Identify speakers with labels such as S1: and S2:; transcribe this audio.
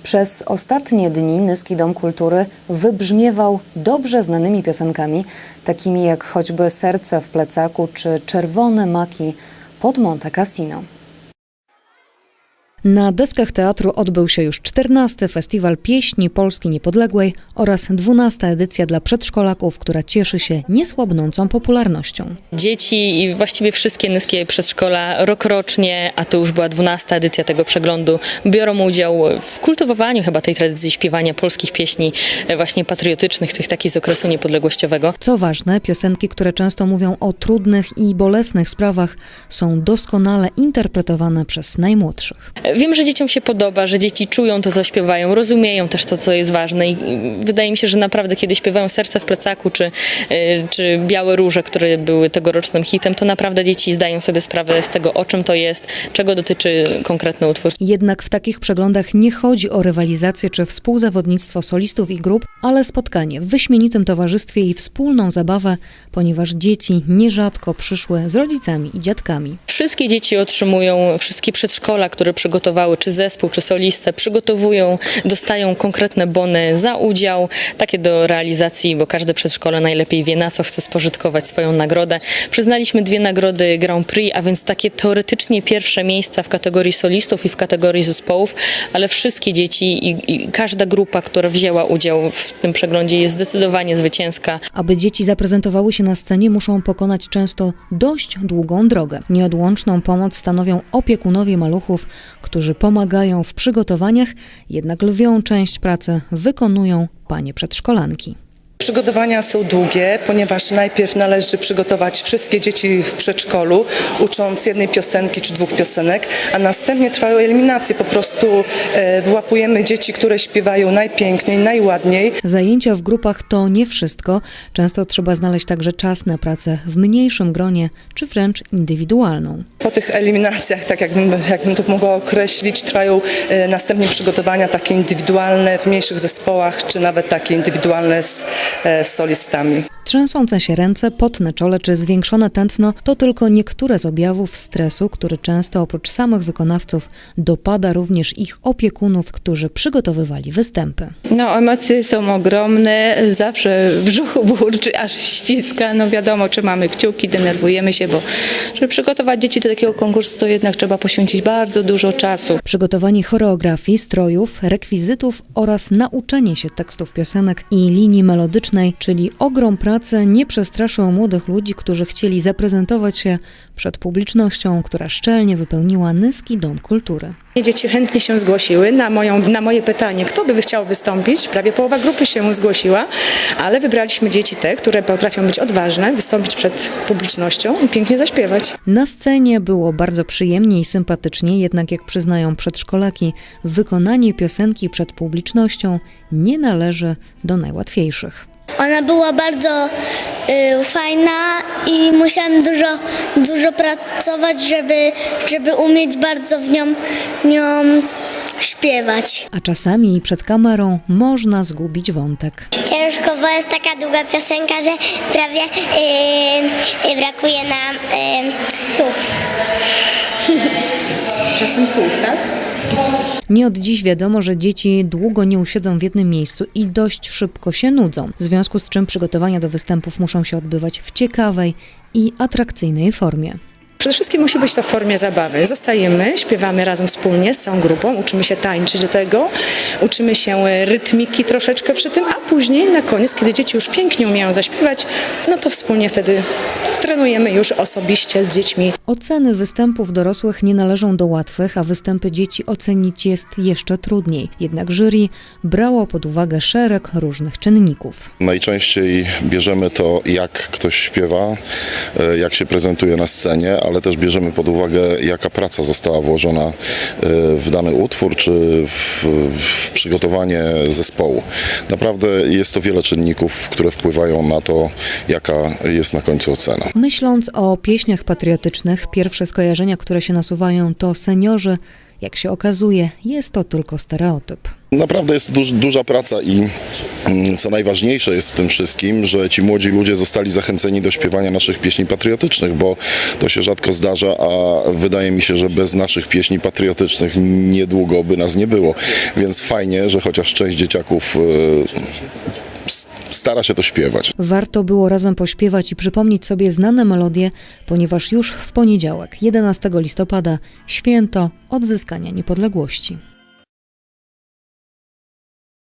S1: Przez ostatnie dni Nyski Dom Kultury wybrzmiewał dobrze znanymi piosenkami, takimi jak choćby Serce w plecaku czy Czerwone maki pod Monte Cassino. Na deskach teatru odbył się już 14. Festiwal Pieśni Polski Niepodległej oraz 12. edycja dla przedszkolaków, która cieszy się niesłabnącą popularnością.
S2: Dzieci i właściwie wszystkie nyskie przedszkola rokrocznie, a to już była 12. edycja tego przeglądu, biorą udział w kultywowaniu chyba tej tradycji śpiewania polskich pieśni właśnie patriotycznych, tych takich z okresu niepodległościowego.
S1: Co ważne, piosenki, które często mówią o trudnych i bolesnych sprawach, są doskonale interpretowane przez najmłodszych.
S2: Wiem, że dzieciom się podoba, że dzieci czują to, co śpiewają, rozumieją też to, co jest ważne i wydaje mi się, że naprawdę kiedy śpiewają Serce w plecaku czy Białe róże, które były tegorocznym hitem, to naprawdę dzieci zdają sobie sprawę z tego, o czym to jest, czego dotyczy konkretny utwór.
S1: Jednak w takich przeglądach nie chodzi o rywalizację czy współzawodnictwo solistów i grup, ale spotkanie w wyśmienitym towarzystwie i wspólną zabawę, ponieważ dzieci nierzadko przyszły z rodzicami i dziadkami.
S2: Wszystkie dzieci otrzymują, wszystkie przedszkola, które przygotowały, czy zespół, czy solistę, przygotowują, dostają konkretne bony za udział, takie do realizacji, bo każde przedszkole najlepiej wie, na co chce spożytkować swoją nagrodę. Przyznaliśmy 2 nagrody Grand Prix, a więc takie teoretycznie pierwsze miejsca w kategorii solistów i w kategorii zespołów, ale wszystkie dzieci i każda grupa, która wzięła udział w tym przeglądzie, jest zdecydowanie zwycięska.
S1: Aby dzieci zaprezentowały się na scenie, muszą pokonać często dość długą drogę. Nieodłączną pomoc stanowią opiekunowie maluchów, którzy pomagają w przygotowaniach, jednak lwią część pracy wykonują panie przedszkolanki.
S3: Przygotowania są długie, ponieważ najpierw należy przygotować wszystkie dzieci w przedszkolu, ucząc jednej piosenki czy 2 piosenek, a następnie trwają eliminacje. Po prostu wyłapujemy dzieci, które śpiewają najpiękniej, najładniej.
S1: Zajęcia w grupach to nie wszystko. Często trzeba znaleźć także czas na pracę w mniejszym gronie, czy wręcz indywidualną.
S3: Po tych eliminacjach, tak jakbym to mogła określić, trwają następnie przygotowania takie indywidualne w mniejszych zespołach, czy nawet takie indywidualne z solistami.
S1: Trzęsące się ręce, pot na czole czy zwiększone tętno to tylko niektóre z objawów stresu, który często oprócz samych wykonawców dopada również ich opiekunów, którzy przygotowywali występy.
S4: No, emocje są ogromne, zawsze w brzuchu burczy, aż ściska. No wiadomo, trzymamy kciuki, denerwujemy się, bo żeby przygotować dzieci do takiego konkursu, to jednak trzeba poświęcić bardzo dużo czasu.
S1: Przygotowanie choreografii, strojów, rekwizytów oraz nauczenie się tekstów piosenek i linii melodycznej, czyli ogrom pracy, nie przestraszył młodych ludzi, którzy chcieli zaprezentować się przed publicznością, która szczelnie wypełniła Nyski Dom Kultury.
S5: Dzieci chętnie się zgłosiły na moje pytanie, kto by chciał wystąpić. Prawie połowa grupy się zgłosiła, ale wybraliśmy dzieci te, które potrafią być odważne, wystąpić przed publicznością i pięknie zaśpiewać.
S1: Na scenie było bardzo przyjemnie i sympatycznie, jednak jak przyznają przedszkolaki, wykonanie piosenki przed publicznością nie należy do najłatwiejszych.
S6: Ona była bardzo fajna i musiałam dużo pracować, żeby umieć bardzo w nią śpiewać.
S1: A czasami przed kamerą można zgubić wątek.
S6: Ciężko, bo jest taka długa piosenka, że prawie brakuje nam słów.
S5: Czasem słów, tak?
S1: Nie od dziś wiadomo, że dzieci długo nie usiedzą w jednym miejscu i dość szybko się nudzą, w związku z czym przygotowania do występów muszą się odbywać w ciekawej i atrakcyjnej formie.
S5: Przede wszystkim musi być to w formie zabawy. Zostajemy, śpiewamy razem wspólnie z całą grupą, uczymy się tańczyć do tego, uczymy się rytmiki troszeczkę przy tym, a później na koniec, kiedy dzieci już pięknie umieją zaśpiewać, no to wspólnie wtedy trenujemy już osobiście z dziećmi.
S1: Oceny występów dorosłych nie należą do łatwych, a występy dzieci ocenić jest jeszcze trudniej. Jednak jury brało pod uwagę szereg różnych czynników.
S7: Najczęściej bierzemy to, jak ktoś śpiewa, jak się prezentuje na scenie, ale też bierzemy pod uwagę, jaka praca została włożona w dany utwór, czy w przygotowanie zespołu. Naprawdę jest to wiele czynników, które wpływają na to, jaka jest na końcu ocena.
S1: Myśląc o pieśniach patriotycznych, pierwsze skojarzenia, które się nasuwają, to seniorzy Jak się okazuje, jest to tylko stereotyp.
S7: Naprawdę jest duża praca i co najważniejsze jest w tym wszystkim, że ci młodzi ludzie zostali zachęceni do śpiewania naszych pieśni patriotycznych, bo to się rzadko zdarza, a wydaje mi się, że bez naszych pieśni patriotycznych niedługo by nas nie było. Więc fajnie, że chociaż część dzieciaków stara się to śpiewać.
S1: Warto było razem pośpiewać i przypomnieć sobie znane melodie, ponieważ już w poniedziałek, 11 listopada, święto odzyskania niepodległości.